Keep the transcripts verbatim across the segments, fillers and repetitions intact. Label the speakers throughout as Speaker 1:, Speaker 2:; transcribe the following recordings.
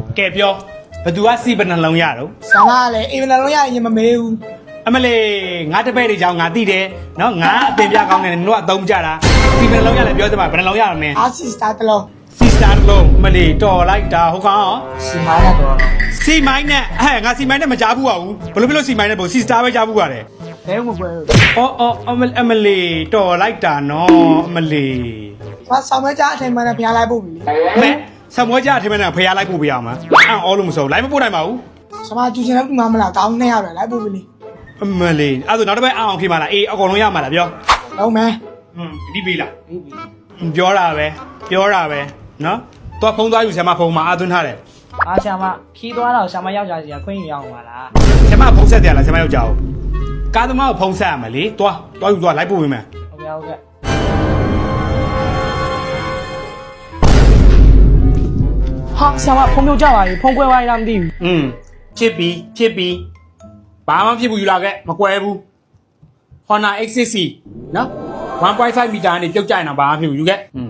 Speaker 1: ကဲပြောဘသူကစီဘယ်နှလုံးရတော့
Speaker 2: ဆာမလည်းအေးဘယ်နှလုံးရရင်မမေးဘူး
Speaker 1: အမလေးငါတပည့်တွေကြောင့်ငါသိတယ်နော်ငါအပင်ပြကောင်းတယ်နင်တို့ကအသုံးကြတာစီဘယ်နှလုံးရလဲပြောစမ်းပါဘယ်နှလုံးရမလဲ
Speaker 2: အာစီစတာတလုံး
Speaker 1: စီစတာတစ်လုံးအမလေးတော်လိုက်တာဟုတ်ကောင်
Speaker 2: စီမိုင်းရတော့
Speaker 1: စီမိုင်းနဲ့ဟဲ့ငါစီမိုင်းနဲ့မကြားဘူးပါဘူးဘယ်လိုဖြစ်လို့စီမိုင်းနဲ့ပုံစီစတာပဲကြားဘူးပါတယ်
Speaker 2: ဘဲမပွဲဘူး
Speaker 1: အော်အော်အမအမလေးတော်လိုက်တာနော်အမလေး
Speaker 2: ဘာဆောင်မကြအထိုင်မှန်းနဲ့ဖျားလိုက်ပို့ပြီ
Speaker 1: မဲဆမွေးကြအထင်မဲ့နဲ့ဖျားလိုက်ပို့ပြရမှာအံ့အောလို့မစိုးလိုက်မပို့နိုင်ပါဘူး
Speaker 2: ဆာမကျူချင်တဲ့ဘူးမမလားကောင်းနေရတယ်လိုက်ပို့ပြီလေ
Speaker 1: အမလေးအဲ့ဒါနောက်တစ်ပတ်အောင်ဖြစ်မှာလားအေးအကုန်လုံးရမှာလားပြော
Speaker 2: ဟုတ်မယ်
Speaker 1: ဟွန်းဒီပြီလားပြောတာပဲပြောတာပဲနော်တော့ဖုံးသွားယူဆရာမဖုံးမှာအာသွင်းထားတယ်
Speaker 3: အားဆရာမခီးသွားတော့ဆရာမယောက်ျားစီကခွင့်ယူရအောင်ပါလား
Speaker 1: ဆရာမဖုံးဆက်တယ်လားဆရာမယောက်ျားကိုကားသမားကိုဖုံးဆက်ရမယ်လေသွားသွားယူသွားလိုက်ပို့ဝင်မယ်
Speaker 3: ဟုတ်ကဲ့ဟုတ်ကဲ့ ဟာဆရာမဖုံးပြုတ်ကြပါပြီဖုံးကွဲသွားရင်တော့မသိဘူး
Speaker 1: อืมဖြစ်ပြီဖြစ်ပြီဘာမှဖြစ်ဘူးယူလာခဲ့မကွဲဘူး Honor เอ็กซ์ ซิกซ์ ซี နော် one point five မီတာကနေပြုတ်ကြရင်တော့ဘာမှဖြစ်ဘူးယူခဲ့อืม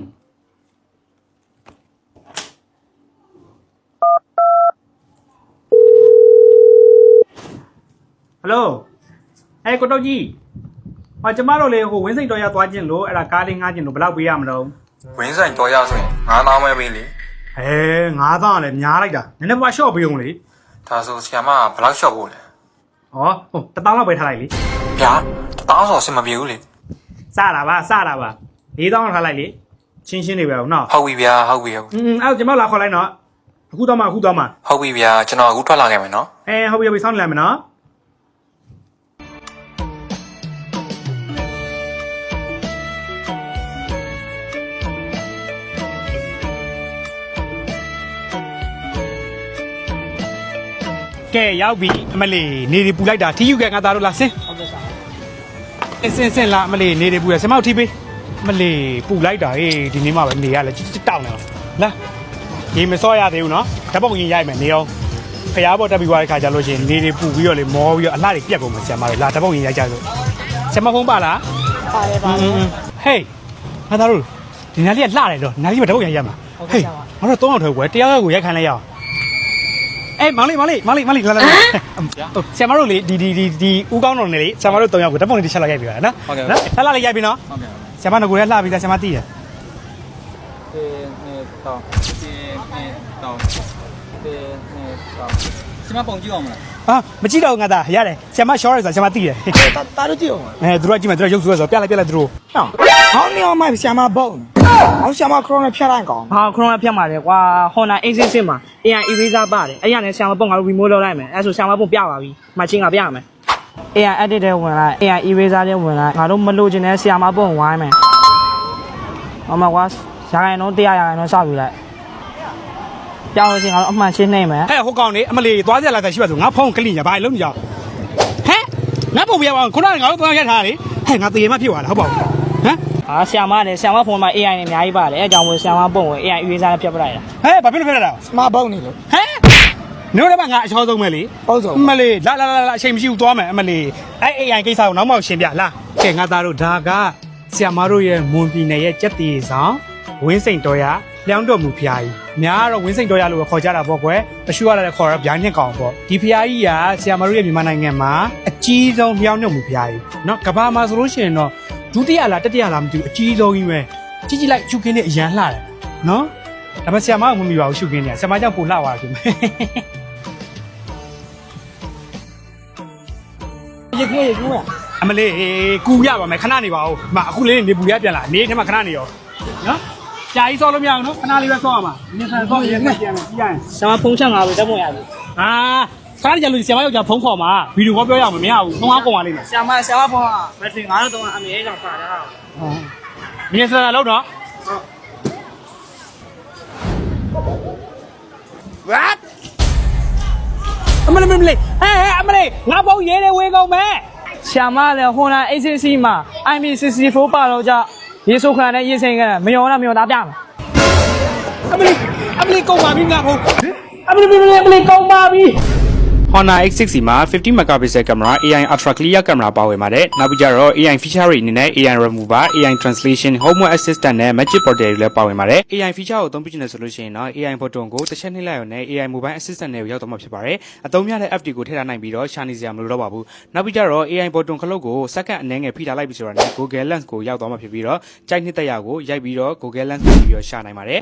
Speaker 1: ဟယ်လိုအဲကိုတော့ကြီးဟောကျမတို့လေဟိုဝင်းစိတ်တော်ရသွားခြင်းလို့အဲ့ဒါကားလေးငှားခြင်းလို့ဘယ်လောက်ပေးရမလို့
Speaker 4: ဝင်းဆိုင်တော်ရဆိုရင်ငါးသောင်းပဲပေးလေ
Speaker 1: ဟဲငါးသောင်းလည်းများလိုက်တာနည်းနည်းပါရှော့ပေးအောင်လေ
Speaker 4: ဒါဆိုဆရာမကဘယ်လောက်လျှော့ဖို့လဲ
Speaker 1: ဟောဟိုတစ်သောင်းလောက်ပဲထားလိုက်လေ
Speaker 4: ဗျာတစ်တောင်းဆိုအဆင်မပြေဘူးလေ
Speaker 1: စတာပါစတာပါလေးသောင်းလောက်ထားလိုက်လေချင်းချင်းနေပဲဟုတ်နော်
Speaker 4: ဟုတ်ပြီဗျာဟုတ်ပြီဟုတ်ပြီ
Speaker 1: อืมအဲ့တော့ကျမလာခေါ်လိုက်နော်အခုတော့မှအခုတော့မှ
Speaker 4: ဟုတ်ပြီဗျာကျွန်တော်အခုထွက်လာခဲ့မယ်နော်
Speaker 1: အဲဟုတ်ပြီဟုတ်ပြီစောင့်နေလိုက်မယ်နော်ကဲရောက်ပြီအမလီနေဒီပူလိုက်တာထီယူကဲငါသားတို့လာဆင်း
Speaker 3: ဟုတ်ကဲ့ဆရာမ
Speaker 1: အင်းစင်စင်လာအမလီနေဒီပူရဆင်မောက်ထီပေးအမလီပူလိုက်တာဟေးဒီနေ့မှပဲနေရလဲချစ်တောင်းနေလာရေမစောရသေးဘူးနော်ဓာတ်ပုံရင်ရိုက်မယ်နေအောင်ဖျားပေါ်တက်ပြီးသွားတဲ့ခါကျလို့ရှိရင်နေတွေပူပြီးတော့လေမောပြီးတော့အလှတွေပြက်ကုန်မှာဆရာမတွေလာဓာတ်ပုံရင်ရိုက်ကြစို့ဆရာမဖုန်းပါလား
Speaker 2: ပါတယ်ပါ
Speaker 1: ဟေးငါသားတို့ဒီနားလေးကလှတယ်တော့နားလေးမှာဓာတ်ပုံရင်ရိုက်မှာဟေးငါတို့သုံးအောင်ထွက်ကွယ်တရားရောက်ကိုရိုက်ခိုင်းလိုက်ရအောင်အေးမောင်လေးမောင်လေးမောင်လေးမောင်လေးလာလာဆရာမတို့လေဒီဒီဒီဒီဦးကောင်းတော်နေလေဆရာမတို့သုံးယောက်ကိုဓာတ်ပုံလေးတစ်ချက်လောက်ရိုက်ပြီးပါနော်နော်လှလှလေးရိုက်ပြီးနော်
Speaker 4: ဟုတ်ကဲ့
Speaker 1: ဆရာမတို့ကိုလည်းလှပြီးသားဆရာမသိတယ်
Speaker 4: တေနေတော့တေနေတော့တေနေတော့ဆရာမပုံကြည့်အောင်မလား
Speaker 1: ဟာမကြည့်တော့ငါသားရတယ်ဆရာမရှော့ရဆိုဆရာမသိတယ်
Speaker 2: တာတာတို့ကြည့်အောင်
Speaker 1: အဲသူတို့ကကြည့်မယ်သူတို့ရုပ်ဆိုးဆိုပြလိုက်ပြလိုက်သူတို့
Speaker 2: ဟောင်းဟောင်းနေအောင်မှဆာမဘုံဟောင်းဆာမခရိုနာဖျားလိုက်ကောင်
Speaker 3: ဟာခရိုနာဖြတ်ပါတယ်ကွာ Honor เอ็กซ์ ซิกซ์ ซี မှာ အေ အိုင် eraser ပါတယ်အဲ့ရနဲ့ဆရာမပုံငါတို့ remove လုပ်လိုက်မယ်အဲ့ဆိုဆရာမပုံပြပါပြီမချင်းကပြရမယ် အေ အိုင် edit တဲ့ဝင်လိုက် အေ အိုင် eraser တဲ့ဝင်လိုက်ငါတို့မလို့ချင်တဲ့ဆရာမပုံဝိုင်းမယ်ဟောမှာကွာရာခိုင်နှုန်းတရားရာခိုင်နှုန်းစောက်ယူလိုက်ပြောင်းလို့ရှိရင်ငါတို့အမှန်ရှင်းနေမယ်
Speaker 1: ဟဲ့ဟိုကောင်နေအမလီသွားကြလာတာရှိပါဆိုငါဖုန်းကလိညာဘာလုံးကြအောင်ဟဲ့ငါပုံပြပါအောင်ခုနကငါတို့သွားရက်ထားလေဟဲ့ငါတရေမဖြစ်သွားလားဟုတ်ပါဘူးဟမ်
Speaker 3: ဟာဆရာမနဲ့ဆရာမဖုန်းမှာ အေ အိုင် နဲ့အများကြီးပါတယ်အဲအကြောင်းကိုဆရာမပုံဝင် အေ အိုင် eraser နဲ့ဖြတ်ပလိုက်တာ
Speaker 1: ဟဲ့ဘာဖြစ်လို့ဖြစ်လာတာ
Speaker 2: ဆာမဘုံနေလို့
Speaker 1: ဟဲ့နို့လည်းမငါအချောဆုံးပဲလေ
Speaker 2: ဟုတ်ဆုံး
Speaker 1: အမလီလာလာလာအချိန်မရှိဘူးသွားမယ်အမလီအဲ့ အေ အိုင် ကိစ္စကိုနောက်မှရှင်းပြလာကဲငါသားတို့ဒါကဆရာမတို့ရဲ့မွန်ပြည်နယ်ရဲ့စက်တီဆောင်ဝင်းစိန်တော်ရလျောင်းတော်မူဖျားကြီးများကတော့ဝင်းစိန်တော်ရလို့ခေါ်ကြတာပေါ့ကွယ်အရှူရလာတဲ့ခေါ်ရဗျာညက်ကောင်ပေါ့ဒီဖျားကြီးကဆရာမတို့ရဲ့မြန်မာနိုင်ငံမှာအကြီးဆုံးလျောင်းတော်မူဖျားကြီးเนาะကဘာမှာဆိုလို့ရှိရင်တော့ဒုတိယလားတတိယလားမသိဘူးအကြီးဆုံးကြီးပဲကြည့်ကြည့်လိုက်ရှုခင်းနဲ့အရန်လှတယ်เนาะဒါပေမဲ့ဆရာမကမမီပါဘူးရှုခင်းနဲ့ဆရာမကြောင့်ပိုလှသွားတယ်ခင်ဗျ
Speaker 2: ရေကူးရေကူးอ่ะ
Speaker 1: အမလေးကူရပါမယ်ခဏနေပါဦးမအခုလေးနေပူရပြန်လာနေထဲမှာခဏနေရောနော်ကြာကြီးစောလို့မရအောင်နော်ခဏလေးပဲစောရမှာနင်းဆန်စောရင်လည်းပြန်မယ်ပြီးရရင်
Speaker 3: ဆရာမဖုန်းချက်ငါပဲတက်ပုံရပြီ
Speaker 1: အာခဏကြလို့ဆရာမယောက်ျားဖုန်းခေါ်မှာဗီဒီယိုကောပြောရအောင်မမရဘူးဖုန်းအားကုန်ပါလိမ့်မယ်
Speaker 3: ဆရာမဆရာမဖုန်းကဘက်ထရီငါတို့တော့အမေကြောင့်ပါတာ
Speaker 1: နင်းဆန်လို့နော် What အမလေးမလေးဟဲ့ဟဲ့အမလေးငါဖုန်းရေးနေဝေးကုန်မယ်
Speaker 3: ဆရာမလည်း Honor เอ็กซ์ ซิกซ์ ซี မှာ အိုင် ပီ ซิกซ์တီဖိုး ပါတော့ကြရေဆိုးခံတဲ့ရေစိန်ကမယောလားမယောသားပြမယ်
Speaker 1: အမလေးအမလေးကုန်ပါပြီငါဖုန်း
Speaker 3: အမလီအမလီအမလီကောင်းပါပြီ
Speaker 1: Honor X six မှာfifty megapixel camera A I ultra clear camera ပါဝင်ပါတယ်နောက်ပြီးကြတော့ A I feature တွေအနေနဲ့ A I remover A I translation homework assistant နဲ့ magic portal တွေလည်းပါဝင်ပါတယ် A I feature ကိုအသုံးပြုနေဆိုလို့ရှိရင်တော့ A I button ကိုတစ်ချက်နှိပ်လိုက်ရုံနဲ့ A I mobile assistant နဲ့ရောက်တော့မှာဖြစ်ပါတယ်အသုံးများတဲ့ app တွေကိုထည့်ထားနိုင်ပြီးတော့ရှာနေစရာမလိုတော့ပါဘူးနောက်ပြီးကြတော့ A I button ခလုတ်ကိုစက္ကန့်အနည်းငယ်ဖိထားလိုက်ပြီးဆိုတော့ Google Lens ကိုရောက်သွားမှာဖြစ်ပြီးတော့ကြိုက်နှစ်သက်ရာကိုရိုက်ပြီးတော့ Google Lens ကိုပြီးတော့ရှာနိုင်ပါတယ်